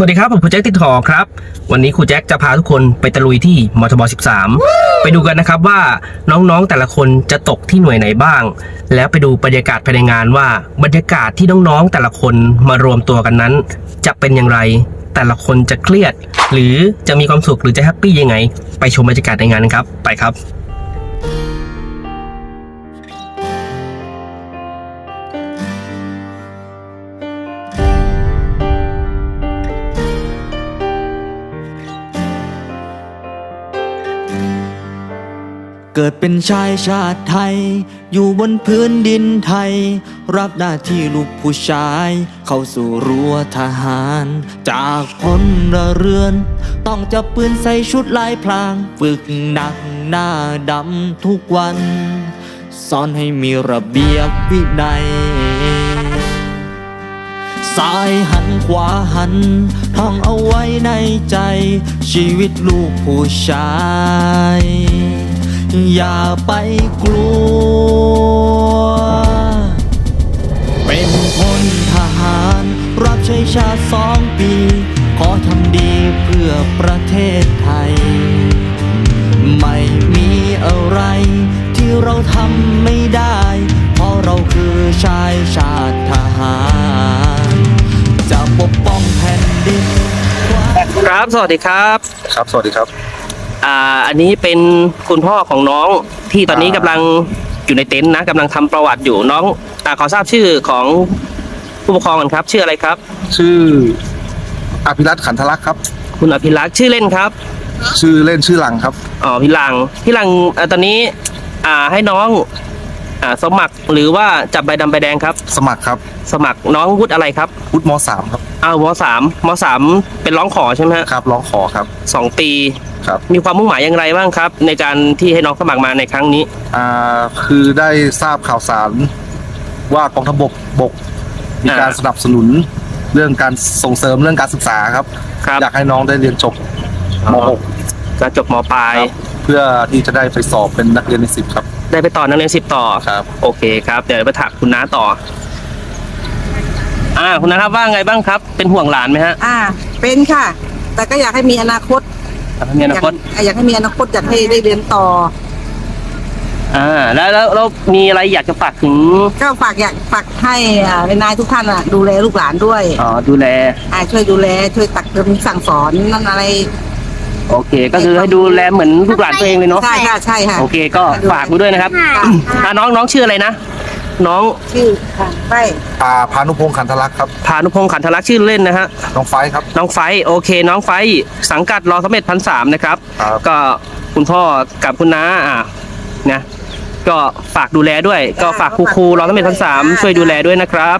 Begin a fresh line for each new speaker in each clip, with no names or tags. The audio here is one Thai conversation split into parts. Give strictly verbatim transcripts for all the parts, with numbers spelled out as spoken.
วัสดีครับผมครูแจ็คติดหอครับวันนี้ครูแจ็คจะพาทุกคนไปตะลุยที่มทบสิบสามไปดูกันนะครับว่าน้องๆแต่ละคนจะตกที่หน่วยไหนบ้างแล้วไปดูบรรยากาศภายในงานว่าบรรยากาศที่น้องๆแต่ละคนมารวมตัวกันนั้นจะเป็นอย่างไรแต่ละคนจะเครียดหรือจะมีความสุขหรือจะแฮปปี้ยังไงไปชมบรรยากาศในงานกันครับไปครับ
เกิดเป็นชายชาติไทยอยู่บนพื้นดินไทยรับหน้าที่ลูกผู้ชายเข้าสู่รั้วทหารจากพลเรือนต้องจับปืนใส่ชุดลายพรางฝึกหนักหน้าดำทุกวันสอนให้มีระเบียบวินัยซ้ายหันขวาหันท่องเอาไว้ในใจชีวิตลูกผู้ชายอย่าไปกลัวเป็นพลทหารรับใช้ชาติสองปีขอทำดีเพื่อประเทศไทยไม่มีอะไรที่เราทำไม่ได้เพราะเราคือชายชาติทหารจะปกป้องแผ่นดิน
ครับสวัสดีครับ
ครับสวัสดีครับ
อ่าอันนี้เป็นคุณพ่อของน้องที่ตอนนี้กำลังอยู่ในเต็นท์นะกำลังทำประวัติอยู่น้องอ่าขอทราบชื่อของผู้ปกครองกันครับชื่ออะไรครับ
ชื่ออภิรัตน์ขันธลักษณ์ครับ
คุณอภิรักษ์ชื่อเล่นครับ
ชื่อเล่นชื่อหลังครับ
อ๋อพี่หลังพี่หลังอ่าตอนนี้อ่าให้น้องอ่าสมัครหรือว่าจับใบดำใบแดงครับ
สมัครครับ
สมัครน้องวุฒิอะไรครับ
วุฒิม.สาม ครับ
อ้าวม.สาม ม.สามเป็นร้องขอใช่ไหม
ครับร้องขอครับ
สองปี
ครับ
มีความมุ่งหมายอย่างไรบ้างครับในการที่ให้น้องสมัครมาในครั้งนี้
อ่าคือได้ทราบข่าวสารว่ากองทัพบกบกมีการสนับสนุนเรื่องการส่งเสริมเรื่องการศึกษาครับอยากให้น้องได้เรียนจบม.หก
จะจบม.ปลาย
เพื่อที่จะได้ไปสอบเป็นนักเรียนในสิบครับ
ได้ไปต่อนักเรียนสิบต่อ
ครับ
โอเคครับเดี๋ยวไปถามคุณน้าต่ออ่าคุณน้าครับว่าไงบ้างครับเป็นห่วงหลานไหมฮะ
อ่าเป็นค่ะแต่ก็อยากให้มีอนาคต
อยากให้มีอนาคต
อยากให้มีอนาคตอยากให้ได้เรียนต่อ
อ่าแล้วแล้วเรามีอะไรอยากจะฝากถึง
ก็ฝากอยากฝากให้อ่านายทุกท่านอ่ะดูแลลูกหลานด้วย
อ๋อดูแล
อ่าช่วยดูแลช่วยตักเตือนสั่งสอนนั่นอะไร
โอเคก็คือให้ดูแลเหมือนลูกหลานตัวเองเลยเนาะ
ใช่ค่ะใช่ค่ะ
โอเคก็ฝากไว้ด้วยนะครับอ่าน้องน้องชื่ออะไรนะน้อง
ชื่อค่ะไฟ
อ่าพานุพงษ์ขันธลักษณ์ครับ
พานุพงษ์ขันธลักษณ์ชื่อเล่นนะฮะ
น้องไฟครับ
น้องไฟโอเคน้องไฟสังกัดรอสมเด็จพันสามนะครับก็คุณพ่อกับคุณน้าอ่ะนะก็ฝากดูแลด้วยก็ฝากครูครูรอสมเด็จพันสามช่วยดูแลด้วยนะครับ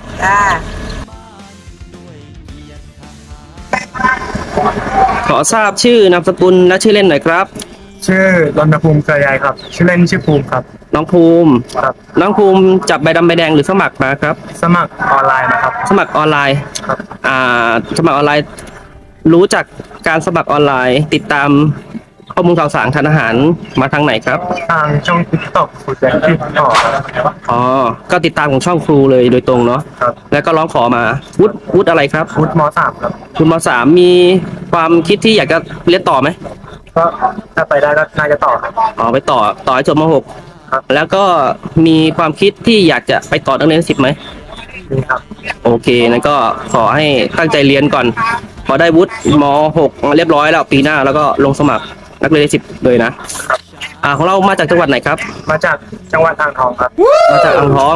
ขอทราบชื่อนามสกุลและชื่อเล่นหน่อยครับ
ชื่อรณภูมิเกลือใยครับชื่อเล่นชื่อภูมิครับ
น้องภูมิ
ครับ
น้องภูมิจับใบดำใบแดงหรือสมัครมาครับ
สมัครออนไลน์นะครับ
สมัครออนไลน์
ครับ
อ่าสมัครออนไลน์รู้จักการสมัครออนไลน์ติดตามข้อมูลข่าวสารทางอาหารมาทางไหนครับ
ทางช่องติ๊กต็อกครูแจ็คติดต่อครับ
อ๋อก็ติดตามของช่องครูเลยโดยตรงเนาะ
ครับ
แล้วก็ร้องขอมาวุฒิวุฒิอะไรครับ
วุฒิม.สาม ครับ
วุฒิม.สามมีความคิดที่อยากจะเรียนต่อไหม
ก็ถ้าไปได้ก็น่าจะต่อครับ
อ๋อไปต่อต่อให้จบม.หก
ครับ
แล้วก็มีความคิดที่อยากจะไปต่อนักเรียนสิบไหม
มีครับ
โอเคนั่นก็ขอให้ตั้งใจเรียนก่อนพอได้วุฒิม.หกเรียบร้อยแล้วปีหน้าแล้วก็ลงสมัครนักเรียนสิบเลยนะอ่าของเรามาจากจังหวัดไหนครับ
มาจากจังหวัดอ่างทองครับ
มาจากอ่างทอง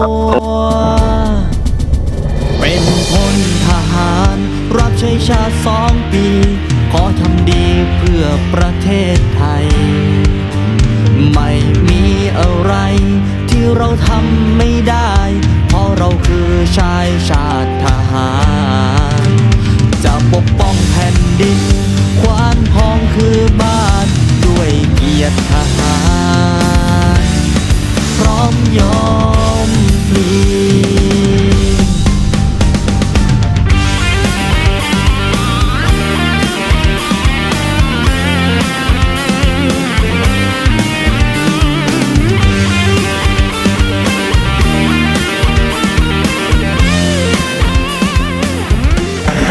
เป็นพลทหารรับใช้ชาติสองปีขอทำดีเพื่อประเทศไทยไม่มีอะไรที่เราทำไม่ได้เพราะเราคือชายชาติทหารจะปกป้องแผ่นดินขวานทองคือบ้านด้วยเกียรติทหารพร้อมยอมพลี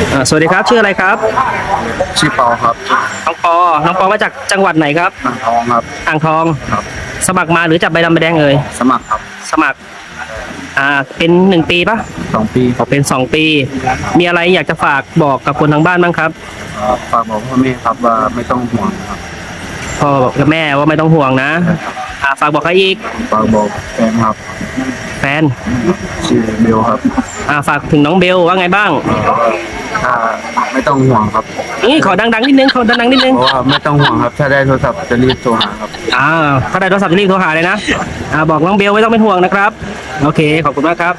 อ่าสวัสดีครับชื่ออะไรครับ
ชื่อเปาครับ
น้องปอน้องปอมาจากจังหวัดไหนครับ
อ่างทองครับ
อ่างทอง
ครับ
สมัครมาหรือจับใบดำใบแดงเอ่ย
สมัครครับ
สมัครอ่าเป็นหนึ่งปีปะ
สองปีครับ
เป็นสองปี มีอะไรอยากจะฝากบอกกับคนทางบ้านบ้างครับ
ฝากบอกพ่อแม่ครับว่าไม่ต้องห่วงครับ
พ่อกับแม่ว่าไม่ต้องห่วงนะอ่าฝากบอกใครอีก
ฝากบอกแฟนครับ
แฟน
ชื่อเบลครับ
อ่าฝากถึงน้องเบลว่าไงบ้าง
ถ้าไม่ต้องห่วงครับ
นี่ขอดังๆนิดนึงขอดังๆนิดนึง
เพราะว่าไม่ต้องห่วงครับ ถ้าได้โทรศัพท์จะรีบโทรหาครับ
อ่าถ้าได้โทรศัพท์จะรีบโทรหาเลยนะอ่าบอกน้องเบลไม่ต้องเป็นห่วงนะครับโอเคขอบคุณมากครับ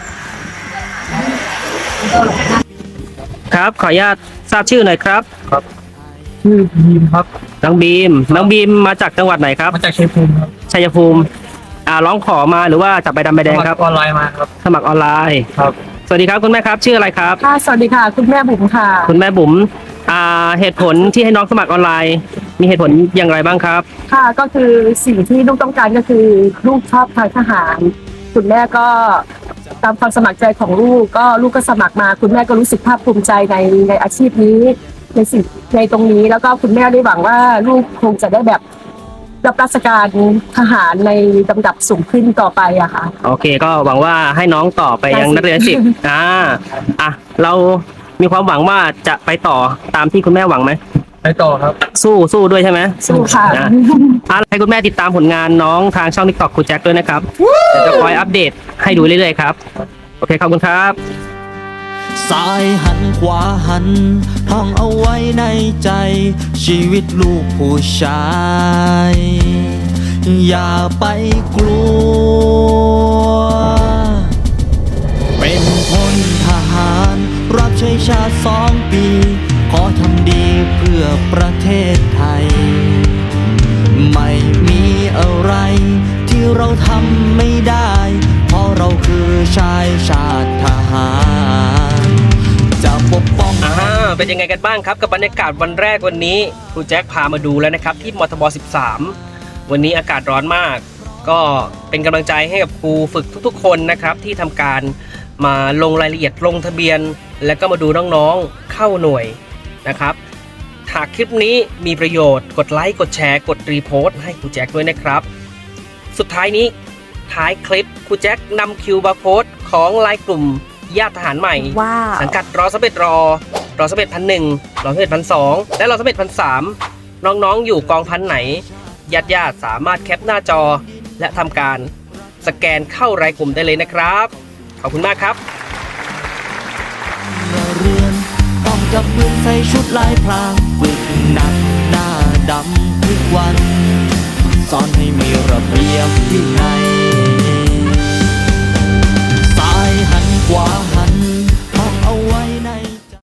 ครับขออนุญาตทราบชื่อหน่อยครับ
ชื่อบีมครับ
น้องบีมน้องบีมมาจากจังหวัดไหนครับ
มาจากชัยภูมิครับ
ชัยภูมิอ่าร้องขอมาหรือว่าจับใบดำใบแดงครับ
ออนไลน์มาครับ
สมัครออนไลน์
ครับ
สวัสดีครับคุณแม่ครับชื่ออะไรครับ
ค่ะสวัสดีค่ะ คุณแม่บุ๋มค่ะ
คุณแม่บุ๋มอ่าเหตุผลที่ให้น้องสมัครออนไลน์ มีเหตุผลอย่างไรบ้างครับ
ค่ะก็คือสิ่งที่ลูกต้องการก็คือลูกชอบทางทหาร คุณแม่ก็ตามความสมัครใจของลูกก็ลูกก็สมัครมา คุณแม่ก็รู้สึกภาคภูมิใจในในอาชีพนี้ในสิ่งในตรงนี้แล้วก็คุณแม่ได้หวังว่าลูกคงจะได้แบบรับราชการทหารในลำดับสูงขึ้นต่อไปอะค่ะ
โอเคก็หวังว่าให้น้องต่อไปยังนักเรียนสิบอ่าอ่ะเรามีความหวังว่าจะไปต่อตามที่คุณแม่หวังไหม
ไปต่อครับ
สู้สู้ด้วยใช่ไหม
สู้ค่ะ
อ่ะอ่ะให้คุณแม่ติดตามผลงานน้องทางช่อง TikTok ครูแจ็คด้วยนะครับเดี๋ยวจะคอยอัปเดตให้ดูเรื่อยๆครับโอเคขอบคุณครับ
ซ้ายหันขวาหันท่องเอาไว้ในใจ ชีวิตลูกผู้ชาย อย่าไปกลัว เป็นพลทหารรับใช้ชาติสองปี ขอทำดีเพื่อประเทศไทย ไม่มีอะไรที่เราทำไม่ได้ เพราะเราคือชายชาติทหาร จะปกป้อง
อ่าเป็นยังไงกันบ้างครับกับบรรยากาศวันแรกวันนี้ครูแจ็คพามาดูแล้วนะครับที่มทบสิบสามวันนี้อากาศร้อนมาก ก็เป็นกำลังใจให้กับครูฝึกทุกๆ คนนะครับที่ทำการมาลงรายละเอียดลงทะเบียน แล้วก็มาดูน้องๆเข้าหน่วยนะครับหากคลิปนี้มีประโยชน์กดไลค์กดแชร์กดรีโพสต์ให้ครูแจ็คด้วยนะครับสุดท้ายนี้ท้ายคลิปครูแจ็คนำคิวบาร์โค้ดของไลน์กลุ่มญาติทหารใหม่
ว้าว
สังกัดรอสเบ็ดรอรอสเบ็ดพันหนึ่งรอสเบ็ดพันสองและรอสเบ็ดพันสามน้องๆอยู่กองพันไหนญาติญาติๆสามารถแคปหน้าจอ และทำการสแกนเข้ารายกลุ่มได้เลยนะครับขอบคุณมากครับ
เรือนต้องจับปืนใส่ชุดลายพรางฝึกหนักหน้าดำทุกวัน สอนให้มีระเบียบวินัย